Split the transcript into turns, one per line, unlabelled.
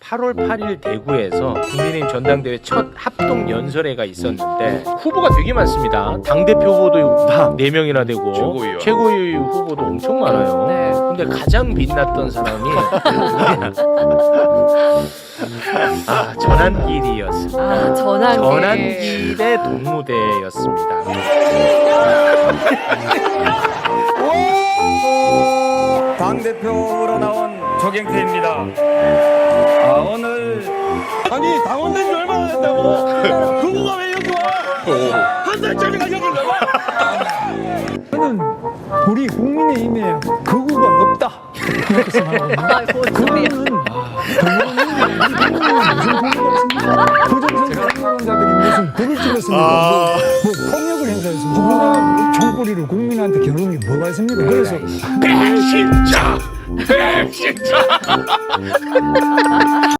8월 8일 대구에서 국민의힘 전당대회 첫 합동 연설회가 있었는데 후보가 되게 많습니다. 당대표 후보도 다 4명이나 되고 최고위원 후보도 엄청 많아요.
네.
근데 가장 빛났던 사람이 전환길이었습니다.
전환길.
전환길의 동무대였습니다.
당대표로 나온 조경태입니다. 오늘
아니 당원된 지 얼마나 됐다고? 그거가 왜 여기 와? 한 달짜리가 여기 왜 와?
저는 우리 국민의힘에 거구가 없다 이렇게 생각합니다. 그거는 부정선거자들이 무슨 불을 찍었습니까? 뭐 폭력을 행사했습니까? 누구나 총구리로 국민한테 겨누는 게 뭐가 있습니까? 그래서
배신자!